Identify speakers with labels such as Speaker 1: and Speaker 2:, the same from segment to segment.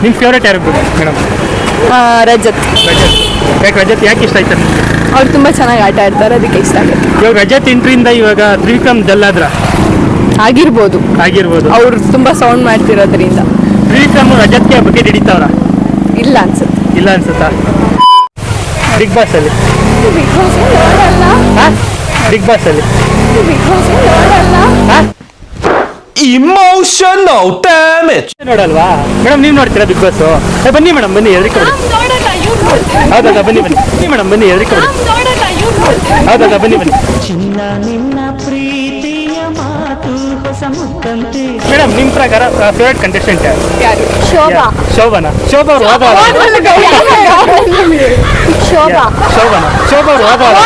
Speaker 1: ನಿಮ್ಮ ಫೇವ್ರೇಟ್ ಯಾರು ಮೇಡಮ್?
Speaker 2: ರಜತ್.
Speaker 1: ರಜತ್ ಯಾಕೆ ಇಷ್ಟ ಆಯ್ತು ನಿಮಗೆ?
Speaker 2: ಅವ್ರು ತುಂಬ ಚೆನ್ನಾಗಿ ಆಟ ಆಡ್ತಾರೆ, ಅದಕ್ಕೆ ಇಷ್ಟ ಆಗುತ್ತೆ.
Speaker 1: ಇವಾಗ ರಜತ್ ಎಂಟ್ರಿಯಿಂದ ಇವಾಗ ತ್ರಿವಿಕ್ರಮ್ ಡಲ್
Speaker 2: ಆಗಿರ್ಬೋದು. ಅವ್ರು ತುಂಬ ಸೌಂಡ್ ಮಾಡ್ತಿರೋದ್ರಿಂದ.
Speaker 1: ತ್ರಿವಿಕ್ರಮ್ ರಜತ್ಗೆ ಬಗ್ಗೆ ಹಿಡಿತಾವ್ರ?
Speaker 2: ಇಲ್ಲ ಅನ್ಸುತ್ತಾ?
Speaker 1: ಬಿಗ್ ಬಾಸ್ ಅಲ್ಲಿ
Speaker 3: ಇಮೋಷನಲ್ ಡ್ಯಾಮೇಜ್
Speaker 1: ನೋಡಲ್ವಾ ಮೇಡಮ್? ನೀವು ನೋಡ್ತೀರಾ ಬಿಗ್ ಬಾಸ್? ಬನ್ನಿ ಮೇಡಮ್, ಬನ್ನಿ ಹೆದರಿಕೆ ಬಿಡಿ. ಹೌದಾ, ಬನ್ನಿ ಮೇಡಮ್, ಬನ್ನಿ ಹೆದರಿಕೆ ಬಿಡಿ. ಹೌದಾ, ಬನ್ನಿ
Speaker 4: ಚಿನ್ನ ನಿನ್ನ ಪ್ರೀತಿಯ ಮಾತು ಹೊಸ ಮುತ್ತಂತೆ.
Speaker 1: ಮೇಡಮ್, ನಿಮ್ಮ ಪ್ರಕಾರ ಫೇವ್ರೇಟ್ ಕಂಟೆಸ್ಟೆಂಟ್
Speaker 2: ಯಾರು? ಶೋಭಾ
Speaker 1: ಅವ್ರು ಹೋದವ್ರ? ಶೋಭಾ ಅವ್ರು ಹೋದವ್ರ?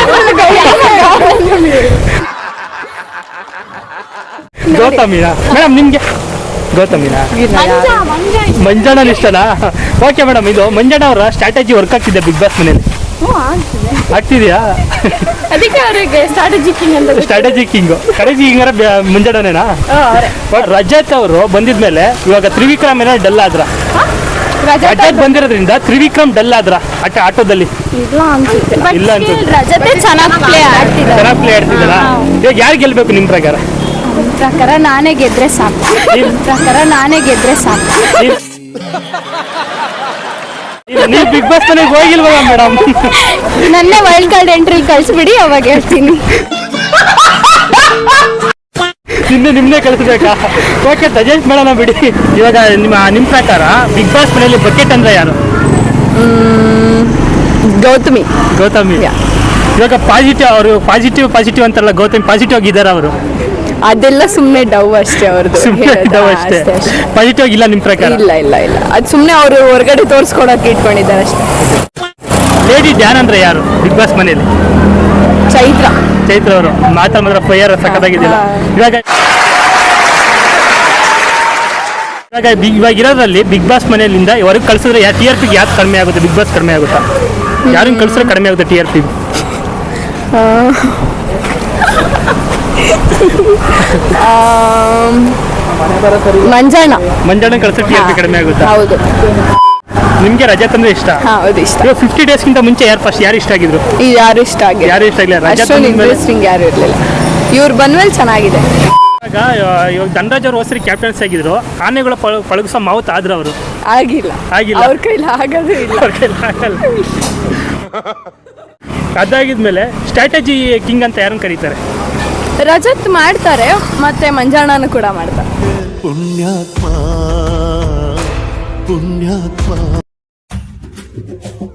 Speaker 1: ಗೌತಮಿನಾ ಮೇಡಮ್? ನಿಮ್ಗೆ ಗೌತಮಿನಾ? ಮಂಜಣ್ಣ ಇಷ್ಟನಾ? ಓಕೆ ಮೇಡಮ್, ಇದು ಮಂಜಣ್ಣ ಅವರ ಸ್ಟ್ರಾಟಜಿ ವರ್ಕ್ ಆಗ್ತಿದೆ ಬಿಗ್ ಬಾಸ್ ಮನೇಲಿ? ಆಗ್ತಿದೆಯಾ?
Speaker 2: ಅದಕ್ಕೆ ಅವರಿಗೆ ಸ್ಟ್ರಾಟಜಿ
Speaker 1: ಕಿಂಗ್ ಮುಂಜಾನೇನಾ? ರಜತ್ ಅವರು ಬಂದಿದ್ಮೇಲೆ ಇವಾಗ ತ್ರಿವಿಕ್ರಮ್ ಏನೋ ಡಲ್ ಆದ್ರ? ರಜತ್ ಬಂದಿರೋದ್ರಿಂದ ತ್ರಿವಿಕ್ರಮ್ ಡಲ್ ಆದ್ರ ಆಟೋದಲ್ಲಿ?
Speaker 2: ಇಲ್ಲ ಅನ್ಸುತ್ತೆ.
Speaker 1: ರಜತೆ ಚೆನ್ನಾಗಿ ಪ್ಲೇ ಆಡ್ತಿದ್ದಾರ. ಇವಾಗ ಯಾರು ಗೆಲ್ಬೇಕು ನಿಮ್ ಪ್ರಕಾರ?
Speaker 2: ನಾನೇ ಗೆದ್ರೆ ಸಾಕು.
Speaker 1: ನೀವು ಬಿಗ್ ಬಾಸ್ ಮನೆಗೆ ಹೋಗಿಲ್ವಾ ಮೇಡಮ್?
Speaker 2: ನನ್ನ ವೈಲ್ಡ್ ಕಾರ್ಡ್ ಎಂಟ್ರಿ ಕಳಿಸ್ಬಿಡಿ, ಅವಾಗ ಹೇಳ್ತೀನಿ.
Speaker 1: ನಿಮ್ಮನ್ನೇ ಕಳಿಸ್ಬೇಕಾ? ಓಕೆ, ಸಜೆಸ್ಟ್ ಮಾಡೋಣ ಬಿಡಿ. ಇವಾಗ ನಿಮ್ಮ ಪ್ರಕಾರ ಬಿಗ್ ಬಾಸ್ ಮನೆಯಲ್ಲಿ ಬಕೆಟ್ ಅಂದ್ರೆ ಯಾರು?
Speaker 2: ಗೌತಮಿ.
Speaker 1: ಇವಾಗ ಪಾಸಿಟಿವ್ ಅಂತಾರಲ್ಲ, ಗೌತಮಿ ಪಾಸಿಟಿವ್ ಆಗಿದ್ದಾರೆ ಅವರು?
Speaker 2: ಅದೆಲ್ಲ ಸುಮ್ಮನೆ ಡವ್ ಅಷ್ಟೇ ಅವ್ರದ್ದು.
Speaker 1: ಪಾಸಿಟಿವ್ ಆಗಿಲ್ಲ ನಿಮ್ಮ ಪ್ರಕಾರ?
Speaker 2: ಇಲ್ಲ ಅದು ಸುಮ್ಮನೆ ಅವರು ಹೊರಗಡೆ ತೋರಿಸ್ಕೊಡಕ್ಕೆ ಇಟ್ಕೊಂಡಿದ್ದಾರೆ ಅಷ್ಟೇ.
Speaker 1: ಲೇಡಿ ಧ್ಯಾನ್ ಅಂದ್ರೆ ಯಾರು ಬಿಗ್ ಬಾಸ್ ಮನೆಯಲ್ಲಿ?
Speaker 2: ಚೈತ್ರ
Speaker 1: ಅವರು ಮಾತ್ರ ಫೈರ್ ಸಕ್ಕತ್ತಾಗಿದ್ದಿಲ್ಲ. ಇವಾಗ ಇರೋದ್ರಲ್ಲಿ ಬಿಗ್ ಬಾಸ್ ಮನೆಯಲ್ಲಿಂದ ಹೊರಗೆ ಕಳ್ಸಿದ್ರೆ TRP ಯಾರು ಕಡಿಮೆ ಆಗುತ್ತೆ? ಬಿಗ್ ಬಾಸ್ ಕಡಿಮೆ ಆಗುತ್ತಾ? ಯಾರನ್ನ ಕಳ್ಸಿದ್ರೆ ಕಡಿಮೆ ಆಗುತ್ತೆ TRP? ಮಂಜಣ್ಣ ಕಳ್ಸಿದ್ರೆ TRP ಕಡಿಮೆ ಆಗುತ್ತಾ?
Speaker 2: ಹೌದು.
Speaker 1: ನಿಮ್ಗೆ ರಜತ್ ಅಂದ್ರೆ ಇಷ್ಟ?
Speaker 2: ಹೌದು, ಇಷ್ಟ.
Speaker 1: 50 ಡೇಸ್ಗಿಂತ ಮುಂಚೆ ಯಾರು ಇಷ್ಟ ಆಗಿದ್ರು?
Speaker 2: ಯಾರು ಇಷ್ಟ ಆಗಿಲ್ಲ. ಇಂಟ್ರೆಸ್ಟಿಂಗ್ ಯಾರು ಇರಲಿಲ್ಲ. ಇವ್ರು ಬಂದ್ಮೇಲೆ ಚೆನ್ನಾಗಿದೆ.
Speaker 1: ಇವಾಗ ಧನರಾಜ್ ಅವರು ಹೊಸರಿ ಕ್ಯಾಪ್ಟನ್ಸಿ ಆಗಿದ್ರು, ಆನೆಗಳ ಪಳಗಿಸೋ ಮಾವುತ್ ಆದ್ರು ಅವರು? ಆಗಿಲ್ಲ.
Speaker 2: ಅವ್ರ ಕೈಲಿ ಆಗೋದು ಇಲ್ಲ.
Speaker 1: ಅದಾಗಿದ್ಮೇಲೆ ಸ್ಟ್ರಾಟಜಿ ಕಿಂಗ್ ಅಂತ ಯಾರನ್ನು ಕರೀತಾರೆ?
Speaker 2: ರಜತ್ ಮಾಡ್ತಾರೆ, ಮತ್ತೆ ಮಂಜಣ್ಣನು ಕೂಡ ಮಾಡ್ತಾರೆ.
Speaker 3: ಪುಣ್ಯಾತ್ಮ